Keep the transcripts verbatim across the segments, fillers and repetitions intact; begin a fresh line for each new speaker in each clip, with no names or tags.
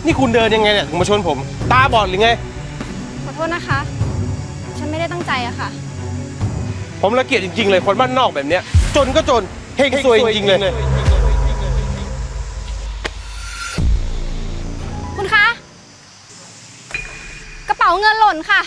นี่คุณเดินยังไงเนี่ยถึงมาชนผมตาบอดหรือไง
ขอโทษนะคะฉันไม่ได้ตั้งใจอะค่ะ
ผมละเกียจจริงๆเลยคนบ้านนอกแบบเนี้ยจนก็จนเฮงซวยจริงๆเลย
คุณคะกระเป๋าเงินหล่นค่ะ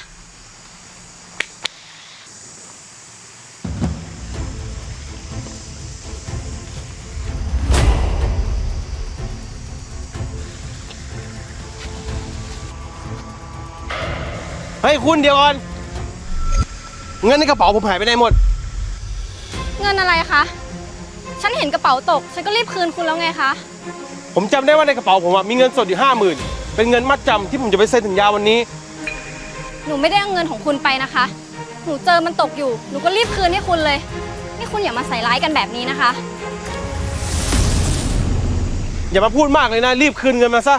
เฮ้ยคุณเดี๋ยวก่อนเงินในกระเป๋าผมหายไปไหนหมด
เงินอะไรคะฉันเห็นกระเป๋าตกฉันก็รีบคืนคุณแล้วไงคะ
ผมจำได้ว่าในกระเป๋าผมมีเงินสดอยู่ห้าหมื่นเป็นเงินมัดจำที่ผมจะไปเซ็นสัญญาวันนี้
หนูไม่ได้เอาเงินของคุณไปนะคะหนูเจอมันตกอยู่หนูก็รีบคืนให้คุณเลยนี่คุณอย่ามาใส่ร้ายกันแบบนี้นะคะ
อย่ามาพูดมากเลยนะรีบคืนเงินมาซะ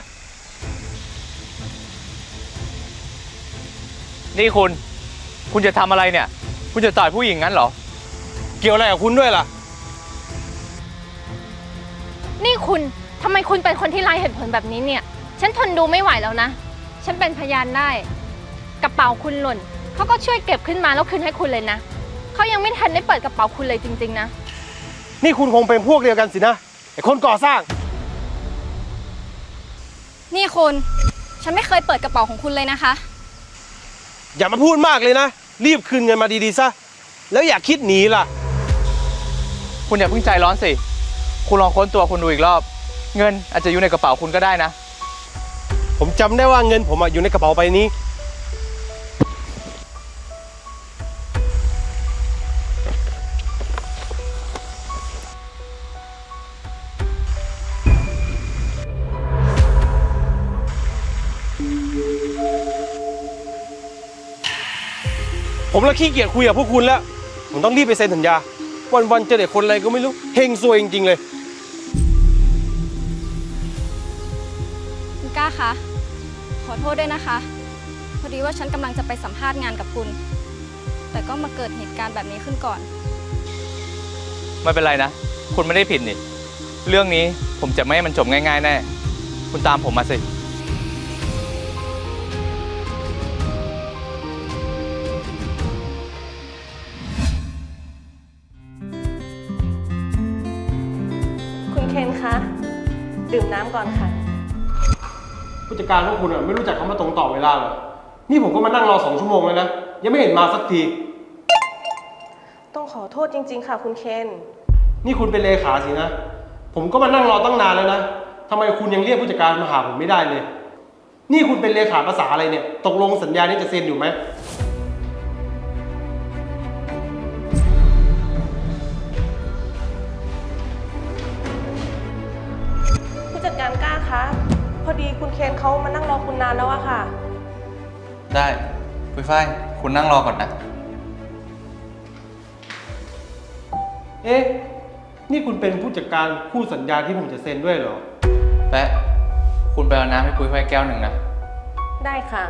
นี่คุณคุณจะทำอะไรเนี่ยคุณจะต่อยผู้หญิงงั้นเหรอ
เกี่ยวอะไรกับคุณด้วยล่ะ
นี่คุณทำไมคุณเป็นคนที่ไร้เหตุผลแบบนี้เนี่ยฉันทนดูไม่ไหวแล้วนะฉันเป็นพยานได้กระเป๋าคุณหล่นเขาก็ช่วยเก็บขึ้นมาแล้วคืนให้คุณเลยนะเขายังไม่ทันได้เปิดกระเป๋าคุณเลยจริงๆนะ
นี่คุณคงเป็นพวกเดียวกันสินะไอ้คนก่อสร้าง
นี่คุณฉันไม่เคยเปิดกระเป๋าของคุณเลยนะคะ
อย่ามาพูดมากเลยนะรีบคืนเงินมาดีๆซะแล้วอย่าคิดหนีล่ะ
คุณอย่าเพิ่งใจร้อนสิคุณลองค้นตัวคุณดูอีกรอบเงินอาจจะอยู่ในกระเป๋าคุณก็ได้นะ
ผมจำได้ว่าเงินผมอยู่ในกระเป๋าใบนี้ผมละขี้เกียจคุยกับพวกคุณแล้วผมต้องรีบไปเซ็นสัญญาวันๆเจอเด็กคนอะไรก็ไม่รู้เฮงซวยจริงๆเลย
คุณก้าคะขอโทษด้วยนะคะพอดีว่าฉันกำลังจะไปสัมภาษณ์งานกับคุณแต่ก็มาเกิดเหตุการณ์แบบนี้ขึ้นก่อน
ไม่เป็นไรนะคุณไม่ได้ผิดนี่เรื่องนี้ผมจะไม่ให้มันจบง่ายๆแน่คุณตามผมมาสิ
เคนคะดื่มน้ำก่อนค่ะ
ผู้จัดการพวกคุณไม่รู้จักคำว่าตรงต่อเวลาเหรอนี่ผมก็มานั่งรอสองชั่วโมงแล้วนะยังไม่เห็นมาสักที
ต้องขอโทษจริงๆค่ะคุณเคน
นี่คุณเป็นเลขาสินะผมก็มานั่งรอตั้งนานแล้วนะทำไมคุณยังเรียกผู้จัดการมาหาผมไม่ได้เลยนี่คุณเป็นเลขาภาษาอะไรเนี่ยตกลงสัญญานี้จะเซ็นอยู่ไหม
จัดการกล้าคะพอดีคุณเคนเขามานั่งรอคุณนานแล้วอะค่ะ
ได้ปุ้ยฝ้ายคุณนั่งรอก่อนนะ
เอ๊ะนี่คุณเป็นผู้จัดการคู่สัญญาที่ผมจะเซ็นด้วยเหรอ
แป๊ะคุณไปเอาน้ำให้ปุ้ยฝ้ายแก้วหนึ่งนะ
ได้ค่ะ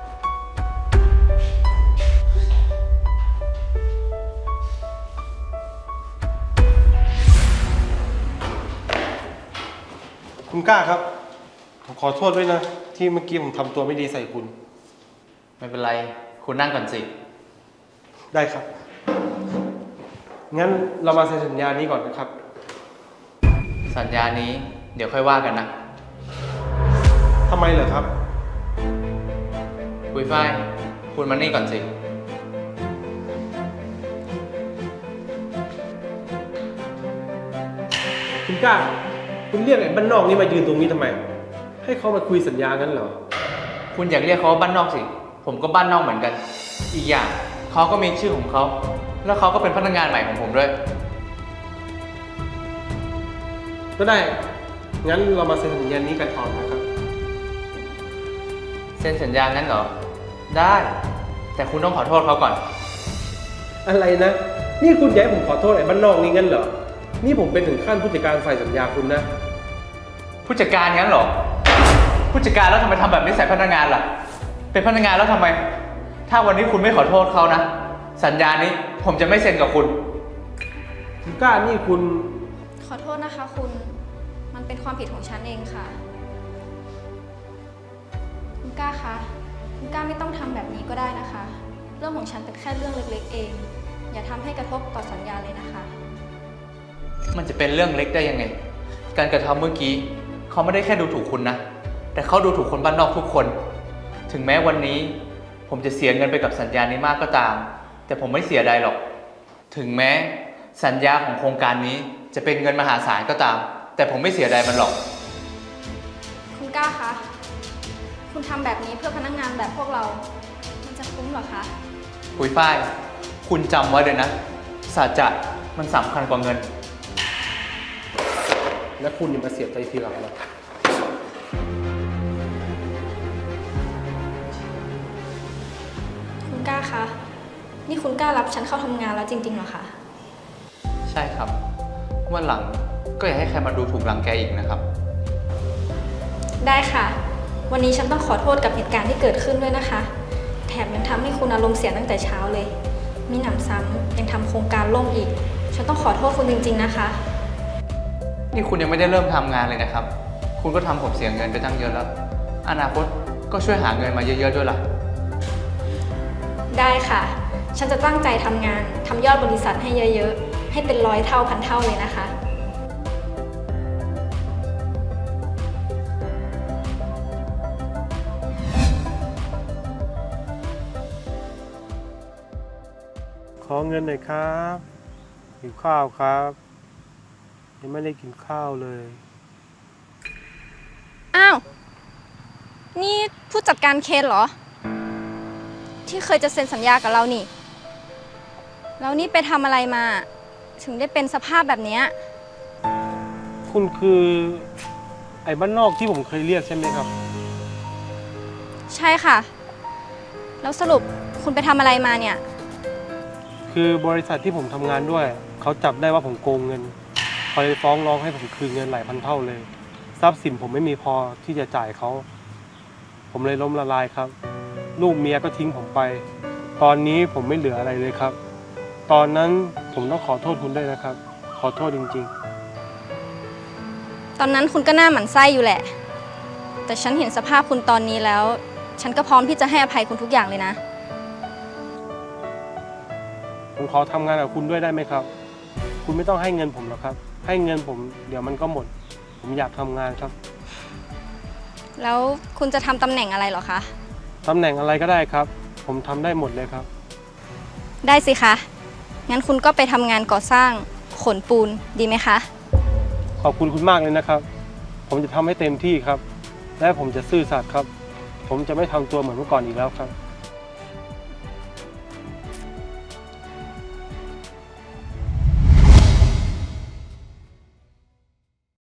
คุณกล้าครับผมขอโทษด้วยนะที่เมื่อกี้ผมทำตัวไม่ดีใส่คุณ
ไม่เป็นไรคุณนั่งก่อนสิ
ได้ครับงั้นเรามาเซ็นสัญญานี้ก่อนนะครับ
สัญญานี้เดี๋ยวค่อยว่ากันนะ
ทำไมเหรอครับ
ปุ้ยฝ้ายคุณมานี่ก่อนสิ
คุณกล้าคุณเรียกไอ้บ้านนอกนี่มายืนตรงนี้ทำไมให้เขามาคุยสัญญางั้นเหรอ
คุณอยากเรียกเขาว่าบ้านนอกสิผมก็บ้านนอกเหมือนกันอีกอย่างเขาก็มีชื่อของเขาแล้วเขาก็เป็นพนักงานใหม่ของผมด้วย
ก็ได้งั้นเรามาเซ็นสัญญานี้กันก่อนนะครับ
เซ็นสัญญางั้นเหรอได้แต่คุณต้องขอโทษเขาก่อน
อะไรนะนี่คุณอยากให้ผมขอโทษไอ้บ้านนอกนี่งั้นเหรอนี่ผมเป็นถึงขั้นผู้จัดการฝ่ายสัญญาคุณนะ
ผู้จัดการงั้นเหรอผู้จัดการแล้วทำไมทำแบบนี้ใส่พนักงานล่ะเป็นพนักงานแล้วทำไมถ้าวันนี้คุณไม่ขอโทษเขานะสัญญานี้ผมจะไม่เซ็นกับคุณ
คุณกล้านี่คุณ
ขอโทษนะคะคุณมันเป็นความผิดของฉันเองค่ะก้าคะ คุณก้าไม่ต้องทำแบบนี้ก็ได้นะคะ เรื่องของฉันเป็นแค่เรื่องเล็กๆเอง อย่าทำให้กระทบต่อสัญญาเลยนะคะ
มันจะเป็นเรื่องเล็กได้ยังไง การกระทำเมื่อกี้เขาไม่ได้แค่ดูถูกคุณนะ แต่เขาดูถูกคนบ้านนอกทุกคน ถึงแม้วันนี้ผมจะเสียเงินไปกับสัญญานี้มากก็ตาม แต่ผมไม่เสียดายหรอก ถึงแม้สัญญาของโครงการนี้จะเป็นเงินมหาศาลก็ตาม แต่ผมไม่เสียดายมันหรอก
คุณก้าคะ คุณทำแบบนี้เพื่อพนักงานแบบพวกเรา มันจะคุ้มเหรอคะ
ปุยฝ้าย คุณจำไว้เลยนะ สัจจะมันสำคัญกว่าเงิน
และคุณอย่ามาเสียใจทีหลังนะ
คุณก้าคะ นี่คุณก้ารับฉันเข้าทำงานแล้วจริงๆเหรอคะ
ใช่ครับวันหลังก็อย่าให้ใครมาดูถูกรังแกอีกนะครับ
ได้ค่ะ วันนี้ฉันต้องขอโทษกับเหตุการณ์ที่เกิดขึ้นด้วยนะคะ แถมยังทำให้คุณอารมณ์เสียตั้งแต่เช้าเลย มีหนำซ้ำยังทำโครงการล่มอีก ฉันต้องขอโทษคุณจริงๆนะคะ
นี่คุณยังไม่ได้เริ่มทำงานเลยนะครับ คุณก็ทำผมเสียเงินไปตั้งเยอะแล้ว อนาคตก็ช่วยหาเงินมาเยอะๆด้วยล่ะ
ได้ค่ะ ฉันจะตั้งใจทำงานทำยอดบริษัทให้เยอะๆ ให้เป็นร้อยเท่าพันเท่าเลยนะคะ
ขอเงินหน่อยครับหิวข้าวครับ ยังไม่ได้กินข้าวเลย
อ้าว นี่ผู้จัดการเคนเหรอ ที่เคยจะเซ็นสัญญากับเรานี่ แล้วนี่ไปทำอะไรมา ถึงได้เป็นสภาพแบบเนี้ย
คุณคือไอ้บ้านนอกที่ผมเคยเรียกใช่ไหมครับ
ใช่ค่ะ แล้วสรุปคุณไปทำอะไรมาเนี่ย
คือบริษัทที่ผมทำงานด้วย เขาจับได้ว่าผมโกงเงินเขาเลยฟ้องร้องให้ผมคืนเงินหลายพันเท่าเลย ทรัพย์สินผมไม่มีพอที่จะจ่ายเขา ผมเลยล้มละลายครับ ลูกเมียก็ทิ้งผมไป ตอนนี้ผมไม่เหลืออะไรเลยครับ ตอนนั้นผมต้องขอโทษคุณด้วยนะครับ ขอโทษจริงๆ
ตอนนั้นคุณก็หน้าหมันไส้อยู่แหละ แต่ฉันเห็นสภาพคุณตอนนี้แล้ว ฉันก็พร้อมที่จะให้อภัยคุณทุกอย่างเลยนะ
ผมขอทำงานกับคุณด้วยได้ไหมครับ คุณไม่ต้องให้เงินผมหรอกครับ ให้เงินผมเดี๋ยวมันก็หมด ผมอยากทำงานครับ
แล้วคุณจะทำตำแหน่งอะไรเหรอคะ
ตำแหน่งอะไรก็ได้ครับ ผมทำได้หมดเลยครับ
ได้สิคะ งั้นคุณก็ไปทำงานก่อสร้างขนปูนดีไหมคะ
ขอบคุณคุณมากเลยนะครับ ผมจะทำให้เต็มที่ครับ และผมจะซื่อสัตย์ครับ ผมจะไม่ทำตัวเหมือนเมื่อก่อนอีกแล้วครับ